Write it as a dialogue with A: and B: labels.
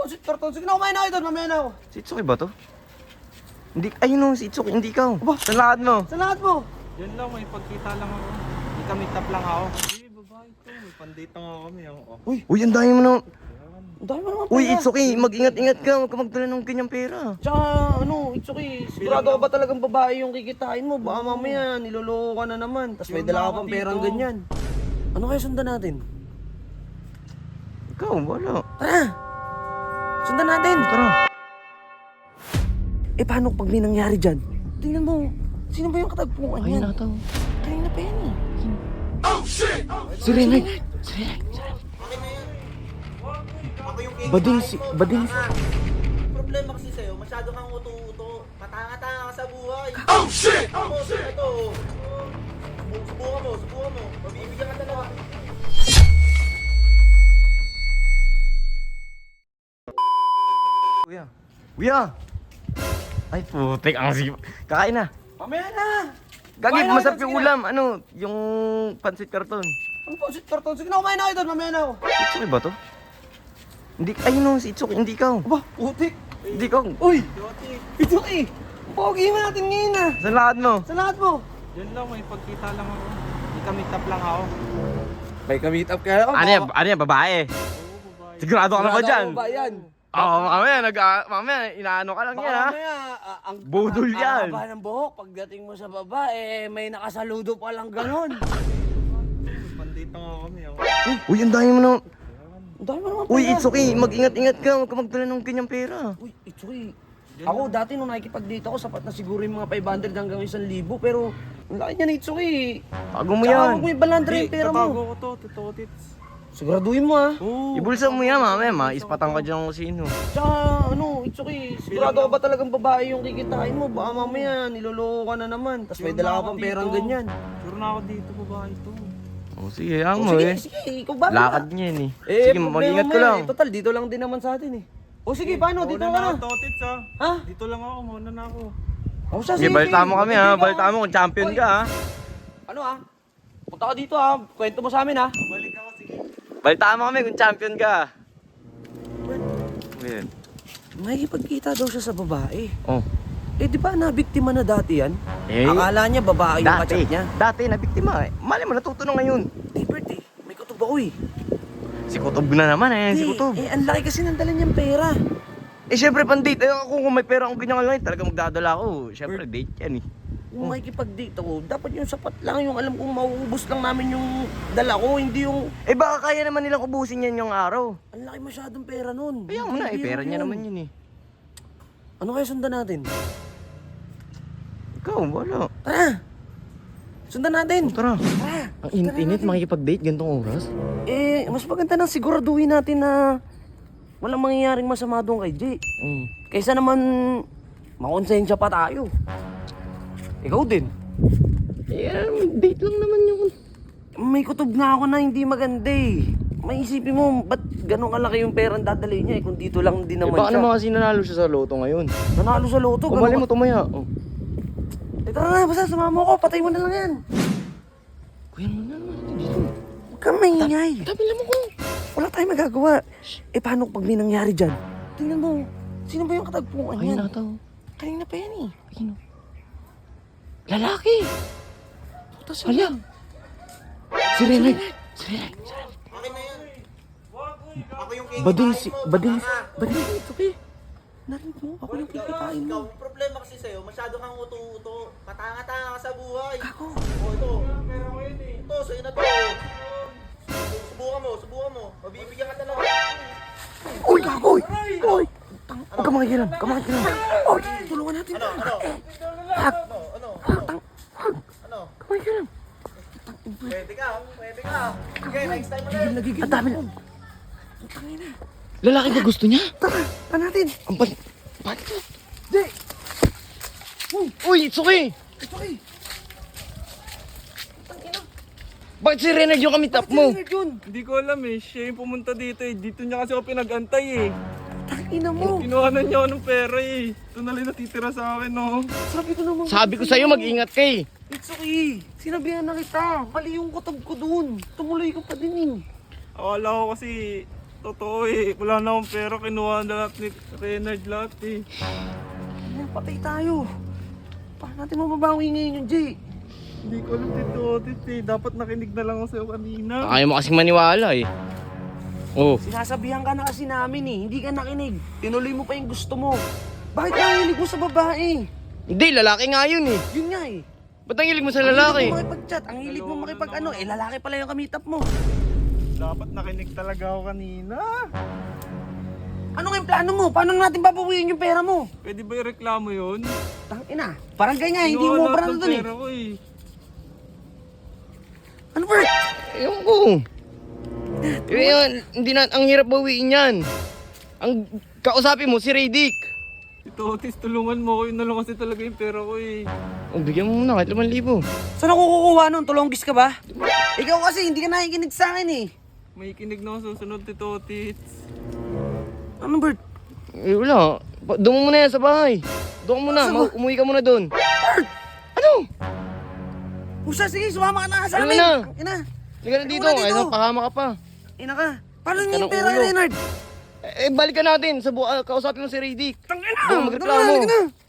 A: Torton. Sige na, kumain na kayo doon. Mamaya na ako.
B: Si Itsuki ba to? Hindi, ayun o, si Itsuki, hindi ikaw.
A: Aba.
B: Sa lahat mo.
A: Sa lahat mo.
C: Yun lang, may pagkita lang ako. May ka-meet up lang ako. Hindi, babae to. May pandate nga kami. Oh.
B: Uy, ang dami mo na.
A: Ang dami mo naman pera.
B: Uy, Itsuki, mag-ingat-ingat ka. Huwag ka magdala ng kanyang pera.
A: Tsaka it's okay. Sigurado ka ba talagang babae yung kikitain mo? Baka mamaya niloloko ka na naman. Tapos may
C: Sure
A: dala
C: na
A: ka
C: ako
A: pang perang
C: dito.
A: ganyan. Ano kaya sundan natin?
B: Ikaw, wala.
A: Tara! Sundan natin!
B: Tara.
A: Eh paano pag may nangyari dyan? Tingnan mo. Sino ba yung katagpuan
B: Ayun
A: yan?
B: na to.
A: Kanina pa yan eh.
B: Si Renard.
A: Bading si...
D: Problema kasi sa'yo, masyado kang uto-uto. Matanga-tanga ka sa buhay. Oh shit! Ako, sino to? Subukan mo. Mabibigyan ka talaga.
B: Kuya. Ay, putik ang sige. Kakain na.
A: Mamaya na!
B: Gagi,
A: Kumain na
B: masarap
A: kayo,
B: yung
A: sige
B: ulam. Ano, yung pancit karton.
A: Ano po, Torton? Sige na, kumain na kayo doon. Mamaya na ako.
B: Itsuki ba to? Hindi, ayun o, si Itsuki, hindi ikaw.
A: Aba, putik!
B: Hindi ikaw.
A: Uy! It's okay! Pogi mo natin ngayon ah!
B: Sa lahat mo.
A: Sa lahat mo!
C: Yun lang, may pagkita lang ako. May ka-meet up lang ako.
A: May ka-meet up kaya ako.
B: Ano yan, babae? Sigurado ka na ba dyan?
A: Ba yan?
B: Oo, mamaya, inaano ka lang yan ha?
A: Mamaya, ang
B: Budol yan.
A: Ang haba ng buhok, pagdating mo sa babae, may nakasaludo pa lang ganon.
C: Pandate nga kami.
B: Uy, ang dami mo na.
A: Ang dami mo naman
B: Uy,
A: pera.
B: it's okay. Mag-ingat-ingat ka. Huwag ka magdala ng kanyang pera.
A: Uy, it's okay. Ako dati nung nakikipag-date ako, sapat na siguro yung mga 500 hanggang 1,000, pero ang laki niya na it's okay.
B: Bago mo
A: Tsaka
B: yan.
A: huwag mo ibalandra yung pera
C: Tatago
A: mo.
C: ko to, totoo tits.
A: Siguraduhin mo ah.
C: Oo.
B: Ibulsa mo yan, mamaya. Maispatan ka dyan kung sino.
A: Tsaka it's okay. Sigurado ka ba talagang babae yung kikitain mo? Baka mamaya niloloko ka na naman. Tapos may
C: Sure
A: dala
C: na
A: ka
C: ako
A: pang
C: dito.
A: perang ganyan.
C: Sure na ako dito, babae to.
B: Oh, sige, hayaan mo
A: Sige,
B: eh.
A: sige, ikaw ba?
B: Lakad niya yun eh. Sige,
A: problema
B: mag-ingat
A: mo
B: ka lang.
A: Total, dito lang din naman sa atin eh. O sige, paano? Dito ka na.
C: Totoo tits ha.
A: Ha?
C: Dito lang ako, muna na ako.
A: O siya,
B: Sige, balita mo kami ha. Balita mo kung champion
A: Oy.
B: ka ha.
A: Ano ah? Punta ka dito ah. Kwento mo sa amin ah.
C: Balik ako, sige.
B: Balita mo kami kung champion ka. Ayan.
A: Makikipagkita daw siya sa babae.
B: Oh.
A: Eh di ba nabiktima na dati yan?
B: Eh,
A: Akala niya babae yung kachat niya.
B: Dati na biktima eh. Mali mo, natuto na ngayon.
A: Di birthday, may kutob ako eh.
B: Si Kutob na naman eh, si Kutob.
A: Ang laki kasi ng dala niyang pera.
B: Eh, syempre, pan-date. Eh, ako kung may pera akong ganyan lang, talaga magdadala ako. Syempre, date yan eh.
A: Kung makikipag-date ako, dapat yung sapat lang yung alam kong mauubos lang namin yung dala ko, hindi yung...
B: Eh, baka kaya naman nilang ubusin yan yung araw.
A: Ang laki masyadong pera nun.
B: Kaya mo na, eh,
A: Hindi
B: pera niya
A: yun.
B: naman yun eh.
A: Ano kaya sundan natin?
B: Ikaw, wala.
A: Tara! Sundan natin!
B: Tara.
A: Tara!
B: Ang init-init, makikipag-date, gantong oras.
A: Eh, mas maganda nang siguraduhin natin na walang mangyayaring masama doon kay Jay. Kaysa naman makonsensya pa tayo. Ikaw din.
B: Eh, date lang naman yun.
A: May kutob nga ako na hindi maganda eh. Maisipin mo, ba't ganun kalaki yung perang dadalhin niya eh kung dito lang din
B: Eh,
A: naman
B: baka
A: siya.
B: naman kasi nanalo siya sa loto ngayon.
A: Nanalo sa loto,
B: Kung mali mo, tumaya. Oh.
A: Eh tara na, basta sumama mo ako, patay mo na lang yan.
B: Kuya mo na naman dito.
A: Huwag kang maingay.
B: Tabila mo ko.
A: Wala tayong magagawa. Eh paano pag may nangyari dyan? Tingnan mo, sino ba yung katagpuan
B: Ayun
A: yan?
B: na to.
A: Kanina pa yan eh.
B: Ayun. Lalaki.
A: Puta siya.
B: Hala. Si Renard.
D: Akin na yan. Ako yung
A: Bading
D: kikitain
A: si...
D: mo.
A: Bading...
D: tanga.
A: Bading si... Ito eh. Narinig mo? Ako yung kikitain
D: Ikaw,
A: mo.
D: problema kasi sa'yo, masyado kang uto-uto. Matanga-tanga ka sa buhay.
A: Ako.
D: O ito. Ito, sa'yo na to. Subukan mo. Mabibigyan ka talaga.
A: Uy, kagoy! Uy! Huwag ka makikilam. Uy, tulungan natin.
D: Ano?
A: Ano? Makikilam.
D: Pwede ka. Okay, next time ulit.
A: Nagigil. Ang dami na.
B: Lalaki ba gusto niya?
A: Tara, tara natin.
B: Ang pan... Bakit?
A: Jay!
B: Uy, it's okay.
A: Ito eh.
B: Bakit si Renard yung kami top mo?
A: Yun.
C: Hindi ko alam eh, siya yung pumunta dito eh. Dito niya kasi ako pinag-antay eh.
A: Tangina mo.
C: Kinuhanan niya ako ng pera eh. Ito na lang natitira sa akin no.
A: Sabi ko naman.
B: Sabi ko sa'yo, mag-ingat ka eh.
A: It's okay. Sinabihan na kita. Mali yung kutob ko dun. Tumuloy ka pa din eh.
C: Akala ko kasi Totoo eh. Wala na akong pera. Kinuha na lahat ni Renard lahat eh.
A: Ano, patay tayo. Paano natin mababawi ngayon yung Jay?
C: Hindi ko alam Tito Otis eh. Dapat nakinig na lang ako sa'yo kanina.
B: Ayaw mo kasing maniwala eh. Oh.
A: Sinasabihan ka na kasi namin eh. Hindi ka nakinig. Tinuloy mo pa yung gusto mo. Bakit ka hilig mo sa babae?
B: Hindi, lalaki nga yun eh.
A: Yun nga eh.
B: Ba't ang hilig mo sa
A: Ang
B: lalaki?
A: hilig mo makipag-chat. Ang hilig mo makipag ano. Eh lalaki pala yung kamitap mo.
C: Dapat nakinig talaga ako kanina.
A: Ano nga yung plano mo? Paano natin babawiin yung pera mo?
C: Pwede ba ireklamo yun?
A: Tangina. Parang ganyan. Hindi
C: Kinuha
A: mo
C: lahat
A: parang
C: ng
A: doon eh.
C: pera ko eh.
A: Ano Bert?
B: Ewan ko. Yun, hindi na, ang hirap bawiin yan. Ang kausapin mo, si Radic.
C: Tito Otis, tulungan mo ko. Yun na lang kasi talaga yung pera ko eh.
B: Oh, bigyan mo muna kahit 5,000.
A: Saan ako kukuha nun? Tulonggis ka ba? Ikaw kasi hindi ka nakikinig sa akin eh.
C: May kinig na ako susunod, Tito Otis.
A: Ano Bert?
B: Eh, wala. Doon mo muna yan sa bahay. Doon ka muna. Umuwi ka muna doon. Ano?
A: Pusa, sige, sumama ka na sa
B: Ano
A: amin.
B: na?
A: Ina.
B: Hindi ka na dito.
A: Ano na dito?
B: Ay, pakama ka pa.
A: Ina ka. Paano
B: Ka
A: niya yung
B: ng
A: pera,
B: ulo.
A: Leonard?
B: Eh, balikan natin. Kausapin mo si Radic.
A: Tangina!
B: Doon magreklamo.
A: Halika na.